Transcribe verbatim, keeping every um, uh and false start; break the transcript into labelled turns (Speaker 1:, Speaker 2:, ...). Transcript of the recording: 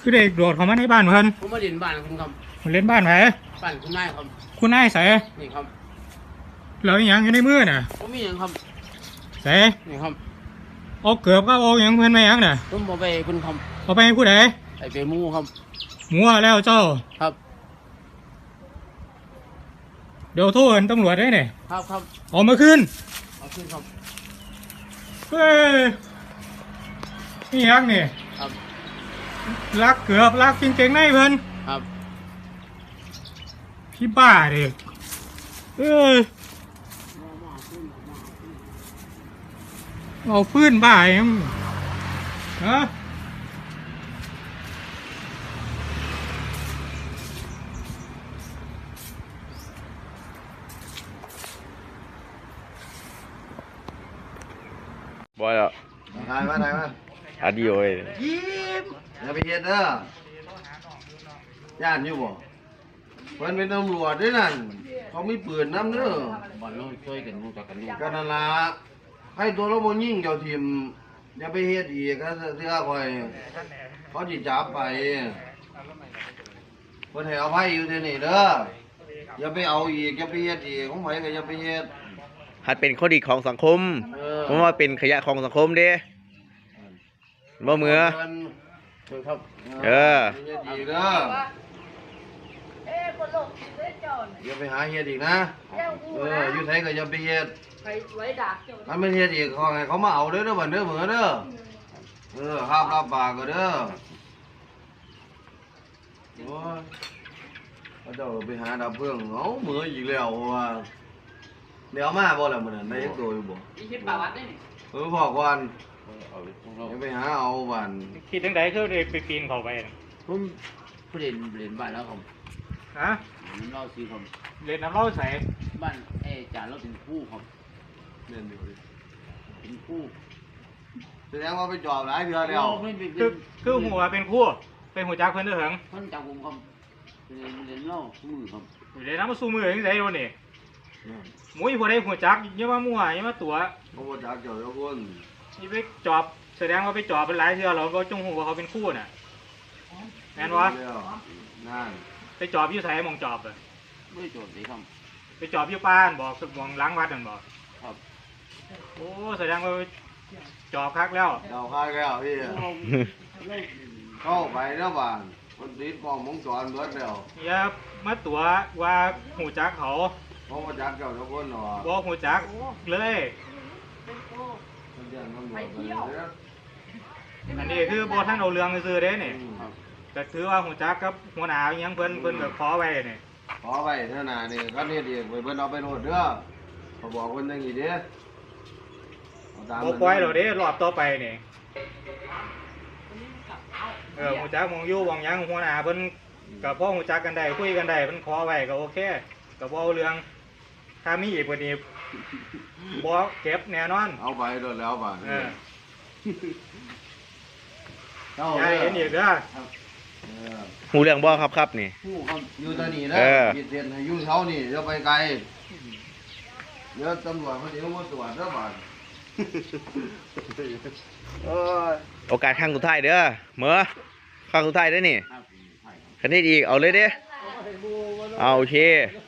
Speaker 1: คือเด็กโดดเข้ามาในบ้านเพิ่น
Speaker 2: ผมมาเล่นบ้านคุณครับ
Speaker 1: มาเล่นบ้านไผ
Speaker 2: บ้านคุณนายครับ
Speaker 1: คุณนายใส่
Speaker 2: นี่ครับ
Speaker 1: แล้วอีหยังอยู่ในมือน่ะ
Speaker 2: ผมมีหยังครับ
Speaker 1: ใส่
Speaker 2: นี่ครับ
Speaker 1: เอาเกือบก็เอาหยังเพิ่นมาหยังน่ะ
Speaker 2: ผมเอาไปคุณครับ
Speaker 1: เอาไปให้ผู้ใด
Speaker 2: ไอไปมูครับ
Speaker 1: มัวแล้วเจ้า
Speaker 2: ครับ
Speaker 1: เดี๋ยวโทรตำรวจได้เนี่ย
Speaker 2: ครับครับ
Speaker 1: ออกมาขึ้น
Speaker 2: เอาขึ้นครับ
Speaker 1: เฮ้ยนี่ยังนี่
Speaker 2: ครับ
Speaker 1: ลักเกือบลักจริงๆในเพิ่น
Speaker 2: ครับ
Speaker 1: พี่บ้าเด็กเอ้ยเอาฟื้นบ้าเองฮะ
Speaker 3: บอยอ่ะ
Speaker 4: ถ่ายมาถ่ายมา
Speaker 3: อาดิโอเอ้ย
Speaker 4: ยิ้มอย่าไปเฮ็ดเด้อย่านอยู่บ่เพิ่นเป็นตำรวจด้วยนั่นเขามีปืนนำเด้อ
Speaker 2: บ้านเราช่วยกันรู้จักกันอยู่
Speaker 4: ก็นั่นล่ะให้ตัวเราบ่ยิงเจ้าทีมอย่าไปเฮ็ดอีกก็เสื้อข่อยเขาสิจับไปเพิ่นให้อภัยอยู่ที่นี่เด้ออย่าไปเอาอีกอย่าไปเฮ็ดอีกของไผก็อย่าไปเฮ็ด
Speaker 3: หัดเป็นข้อดีของสังคมเพราะว่าเป็นขยะของสังคมเด้บ่เหมือ
Speaker 2: ครับ
Speaker 3: เออ
Speaker 4: ดีเด้ออย่าไปหาเฮ็ดอีกนะเอออยู่ไสก็อย่าไปเฮ็ดถ้าไม่เฮ็ดอีกเขาให้เขามาเอาเด้อเด้อบัดเด้อเหมือเด้อเออห้ามรับปากก็เด้อโอ้ยเขาเจ้าไปหาดับเพลิงเอาเหมืออีกแล้วว่าเดี๋ยวมาบ่ล่ะมื้อนั้นได้ตัวอยู่บ่
Speaker 2: อีคิดปาวัดได้นี่
Speaker 4: เออบอกก่อนอย่าไปหาเอาบ้าน
Speaker 1: คิดจังได๋คือได้ไปปีนเข้าไป
Speaker 2: ผมเล่นเล่นบ้านแล้วครับ
Speaker 1: ฮะ
Speaker 2: เล่าสิครับ
Speaker 1: เล่นน้ำเล่าใส่
Speaker 2: บ้านเอจ่าเราเป็นผู้ครับ
Speaker 4: เล่นอยู่
Speaker 2: เป็นผู้
Speaker 4: แสดงว่าไปจอบหลายเทื่อแล้ว
Speaker 1: คือคือหัวเป็นคู่เป็นหัวจักเพิ่นเด้อเหิง
Speaker 2: เพิ่นจักผมครับเล่นเล่นเล่าสู้มือครับ
Speaker 1: เล่นน้ำมาสู้มือจังได๋โดนนี่หมุ้ยผู้ใดหัวจักอย่ามามั่วอย่ามาตัว
Speaker 4: บ่หัวจักเจ้าทุกคน
Speaker 1: นี่ไปจอบแสดงว่าไปจอบเป็นหลายเทื่อเราก็จงหูว่าเขาเป็นคู่น่ะแม่นบ่
Speaker 4: นั่น
Speaker 1: ไปจอบอยู่ไสมองจอบอ่ะ
Speaker 2: ไม่จบสิครับ
Speaker 1: ไปจอบอยู่บ้านบอกมองหลังวัดนั่นบ่
Speaker 2: ครับ
Speaker 1: โอ้แสดงว่าจอบคักแล้ว
Speaker 4: จอบคักแล้วพี่เข้าไปแล้วบ้านคนติดกล้องวงจรเบิดแล้ว
Speaker 1: อย่ามาตัวว่าหูจักเขา
Speaker 4: บ่หัวจักเจ้าทุกคนหรอ
Speaker 1: บ่หูจักเลยอันนี้คือบ่ท่านเอาเรื่องซื่อเด้นี่แต่ถือว่าหูจักกับหัวหน้าอิหยังเพิ่นเพิ่นก็ขอไว้นี่
Speaker 4: ขอไว้เท่านั้นนี่คันเฮ็ดอีกเพิ่นเอาไปโหลดเด้อเขาบอกเพิ่นจังซี่เด้
Speaker 1: บ่ปล่อยแล้วเด้รอบต่อไปนี่เออหูจักมองอยู่มองหยังหัวหน้าเพิ่นก็พอหูจักกันได้คุยกันได้เพิ่นขอไว้ก็โอเคก็บ่เอาเรื่องถ้ามีอีกกว่านี้บ่เก็บแน่นอน
Speaker 4: เอาไปโดนแล้วบ่
Speaker 1: เอออย่าเห็นอีกเด้อ
Speaker 3: หูเรื่องบ่ครับครับนี่
Speaker 4: หูครับอยู่ตอนนี้นะคิดเห็นให้อยู่เช้านี่เดี๋ยวไปไกลเดี๋ยวตำรวจเขาสิมาตรวจเด้อบ่
Speaker 3: เออโอกาสครั้งสุดท้ายเด้อเหมือครั้งสุดท้ายเด้อนี่คันนี้อีกเอาเลยเด้อเอาโอเค